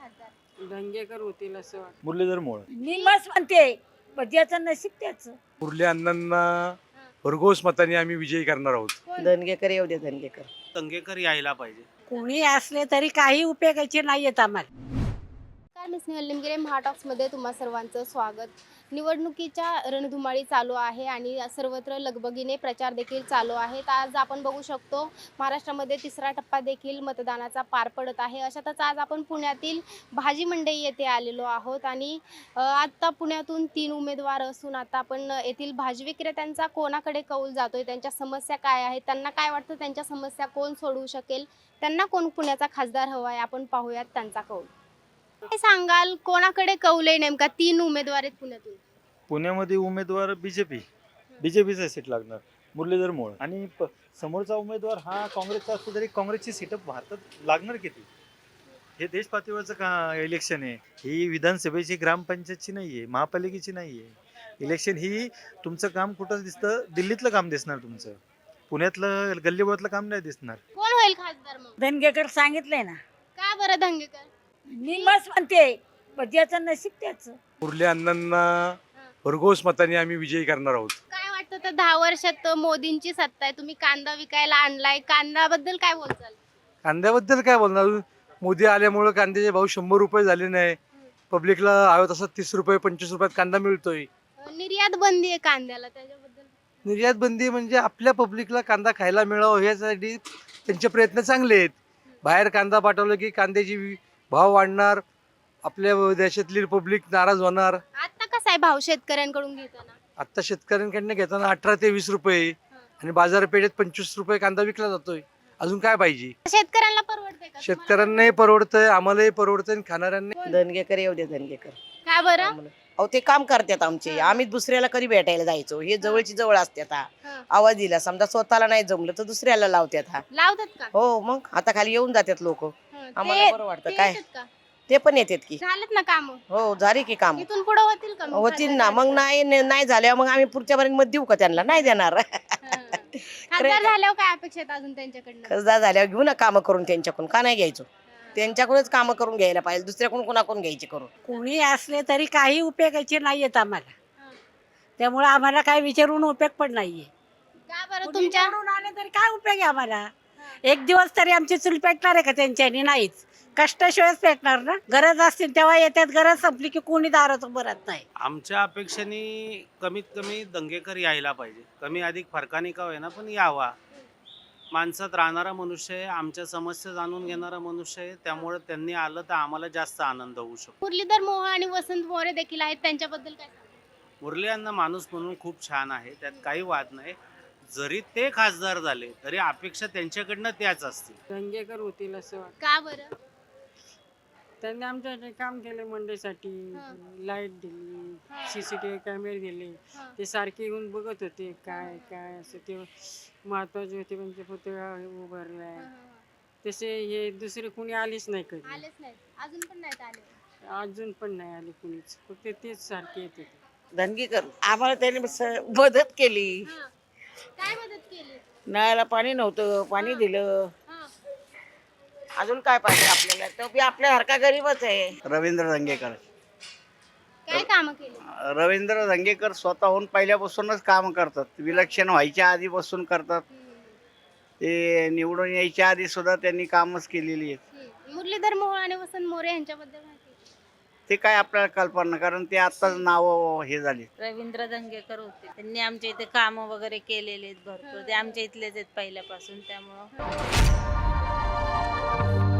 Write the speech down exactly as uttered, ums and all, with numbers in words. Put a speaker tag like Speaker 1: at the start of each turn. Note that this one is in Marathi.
Speaker 1: खासदार?
Speaker 2: दंगेकर होतील असं वाटतं.
Speaker 3: मुरलीधर मोळ.
Speaker 4: मी मस्त म्हणते पण ज्याचं नशीब त्याचं.
Speaker 5: मुरली अण्णांना भरघोस मताने आम्ही विजयी करणार आहोत.
Speaker 1: कोण?
Speaker 4: धनगेकर येऊ दे धनगेकर.
Speaker 6: दंगेकर यायला पाहिजे.
Speaker 4: कोणी असले तरी काही उपयोगाचे नाहीयेत आम्हाला.
Speaker 1: नमस्कार, मी स्नेहल निमगिरे. महाटॉक्समध्ये तुम्हा सर्वांचं स्वागत. निवडणुकीच्या रणधुमाळी चालू आहे आणि सर्वत्र लगबगीने प्रचार देखील चालू आहे. तर आज आपण बघू शकतो महाराष्ट्रामध्ये तिसरा टप्पा देखील मतदानाचा पार पडत आहे. अशातच आज आपण पुण्यातील भाजी मंडई येथे आलेलो आहोत आणि आत्ता पुण्यातून तीन उमेदवार असून आता आपण येथील भाजी विक्रेत्यांचा कोणाकडे कौल जातोय, त्यांच्या समस्या काय आहेत, त्यांना काय वाटतं, त्यांच्या समस्या कोण सोडवू शकेल, त्यांना कोण पुण्याचा खासदार हवा आहे, आपण पाहूयात त्यांचा कौल. काय सांगाल, कोणाकडे कौल आहे नेमका? तीन उमेदवार आहेत पुण्यातून.
Speaker 3: पुण्यामध्ये उमेदवार बीजेपी बीजेपीचा सीट लागणार मुरलीधर मोळ आणि प- समोरचा उमेदवार हा काँग्रेसचा असतो तरी काँग्रेसची सीट भारतात लागणार किती? हे देश पातळीवरचं का इलेक्शन आहे. ही विधानसभेची ग्रामपंचायतची नाही आहे, महापालिकेची नाही आहे. इलेक्शन ही तुमचं काम कुठं दिसतं? दिल्लीतलं काम दिसणार, तुमचं पुण्यातलं गल्लीबोळातलं काम नाही दिसणार.
Speaker 1: कोण होईल खासदार मग?
Speaker 4: धनगेकर सांगितलंय ना.
Speaker 1: का बरं धंगेकर?
Speaker 4: मी मस्त म्हणते पण ज्याचं नशीब त्याचं.
Speaker 5: मुरली अण्णांना भरघोस मताने आम्ही विजयी करणार आहोत.
Speaker 1: काय वाटतं, तर दहा वर्षात मोदींची सत्ता आहे, तुम्ही कांदा विकायला आणलाय, कांद्याबद्दल काय बोलचाल?
Speaker 5: कांद्याबद्दल काय बोलणार? मोदी आल्यामुळे कांद्याचे भाव शंभर रुपये झाले नाही. पब्लिकला हवं तसं तीस रुपये पंचवीस रुपयात कांदा मिळतोय.
Speaker 1: निर्यात बंदी आहे कांद्याला, त्याच्याबद्दल?
Speaker 5: निर्यात बंदी म्हणजे आपल्या पब्लिकला कांदा खायला मिळावं यासाठी त्यांचे प्रयत्न चांगले आहेत. बाहेर कांदा पाठवलं की कांद्याची भाव वाढणार, आपल्या देशातली पब्लिक नाराज होणार.
Speaker 1: आता कसा आहे भाव शेतकऱ्यांकडून घेताना?
Speaker 5: आता शेतकऱ्यांकडनं घेताना अठरा ते वीस रुपये आणि बाजारपेठेत पंचवीस रुपये कांदा विकला जातोय. अजून काय पाहिजे?
Speaker 1: शेतकऱ्यांना परवडते का?
Speaker 5: शेतकऱ्यांनाही परवडतंय, आम्हालाही परवडतंय आणि खाणाऱ्यांना.
Speaker 4: धनगेकर येऊ दे धनगेकर.
Speaker 1: का बरं?
Speaker 4: अहो ते काम करतात आमचे. आम्ही दुसऱ्याला कधी भेटायला जायचो. हे जवळची जवळ असतात. हा
Speaker 1: हं.
Speaker 4: आवाज दिला समजा स्वतःला नाही जमलं तर दुसऱ्याला लावतात. हा
Speaker 1: लावतात का?
Speaker 4: हो मग आता खाली येऊन जातात लोक.
Speaker 1: हं.
Speaker 4: आम्हाला
Speaker 1: ते-
Speaker 4: बरं वाटतं
Speaker 1: ते
Speaker 4: काय.
Speaker 1: येतात का?
Speaker 4: ते पण येतात की.
Speaker 1: झालेत ना काम?
Speaker 4: हो झाली की काम
Speaker 1: इथून पुढे होतील का मग
Speaker 4: होतील ना.
Speaker 1: खासदार?
Speaker 4: मग नाही नाही झाल्यावर मग आम्ही पुढच्या पर्यंत मत देऊ का त्यांना? नाही देणार.
Speaker 1: हं. खासदार झाल्यावर काय अपेक्षा आहेत अजून त्यांच्याकडनं?
Speaker 4: खासदार झाल्यावर घेऊ ना कामं करून त्यांच्याकडून. का नाही घ्यायचो? त्यांच्याकडूनच कामं करून घ्यायला पाहिजे. दुसऱ्याकडून कोणाकडून घ्यायची करून? कोणी असले तरी काही उपयोगाचे नाहीयेत आम्हाला.
Speaker 1: हं.
Speaker 4: त्यामुळे आम्हाला काय विचारून उपयोग पण नाहीये.
Speaker 1: का बरं
Speaker 4: कुणी
Speaker 1: तुमच्या?
Speaker 4: निवडून आले तरी काय उपयोग आहे आम्हाला? एक दिवस तरी आमची चूल पेटणार आहे का त्यांच्यानी? नाहीच. कष्टाशिवायच पेटणार ना. गरज असतील तेव्हा येतात, गरज संपली की कोणी दारात उभं राहत नाही.
Speaker 6: आमच्या अपेक्षेने कमीत कमी दंगेकर यायला पाहिजे. कमी अधिक फरकाने का होईना पण यावा. माणसात राहणारा मनुष्य आहे, आमच्या समस्या जाणून घेणारा मनुष्य आहे, त्यामुळे त्यांनी आलं तर आम्हाला जास्त आनंद होऊ शकतो.
Speaker 1: मुरलीधर मोहोळ आणि वसंत मोरे देखील आहेत, त्यांच्याबद्दल काय सांगाल?
Speaker 6: मुरली यांना माणूस म्हणून खूप छान आहे, त्यात काही वाद नाही. जरी ते खासदार झाले तरी अपेक्षा त्यांच्याकडनं त्याच असतील.
Speaker 2: दंगेकर होतील असं वाटतं.
Speaker 1: का बरं?
Speaker 2: त्यांनी आमच्या काम केले मंडईसाठी,
Speaker 1: हं.
Speaker 2: लाईट दिली,
Speaker 1: हं.
Speaker 2: सीसीटीव्ही कॅमेरे दिले.
Speaker 1: हं.
Speaker 2: ते सारखे येऊन बघत होते काय काय असं. ते महत्वाचे होते म्हणजे पुतळा उभारलाय.
Speaker 1: हं.
Speaker 2: तसे हे दुसरे कुणी आलेच नाही कधी.
Speaker 1: आलेच नाहीत, अजून पण नाहीत आले.
Speaker 2: अजून पण नाही आले कुणीच. फक्त तेच सारखे येत होते.
Speaker 4: धनगेकर आम्हाला त्याने मदत केली.
Speaker 1: हं. काय मदत केली?
Speaker 4: नळाला पाणी नव्हतं, पाणी दिलं.
Speaker 1: हं.
Speaker 4: अजून काय पाहिजे आपल्याला? तो बी आपल्यासारखा गरीबच आहे.
Speaker 7: रवींद्र दंगेकर.
Speaker 1: काय कामं केली?
Speaker 7: रवींद्र दंगेकर स्वतःहून पहिल्यापासूनच काम करतात. विलक्षण व्हायच्या आधीपासून करतात.
Speaker 1: हं.
Speaker 7: ते निवडून यायच्या आधी सुद्धा त्यांनी कामच केलेली आहेत.
Speaker 1: हं. मुरलीधर मोहोळ आणि वसंत मोरे यांच्याबद्दल माहिती आहे?
Speaker 7: ते काय आपल्याला कल्पना, कारण ते आत्ताच नाव हे झाले.
Speaker 8: रवींद्र दंगेकर होते. त्यांनी आमच्या इथे काम वगैरे केलेले आहेत भरपूर. ते आमच्या इथलेच आहेत पहिल्यापासून, त्यामुळं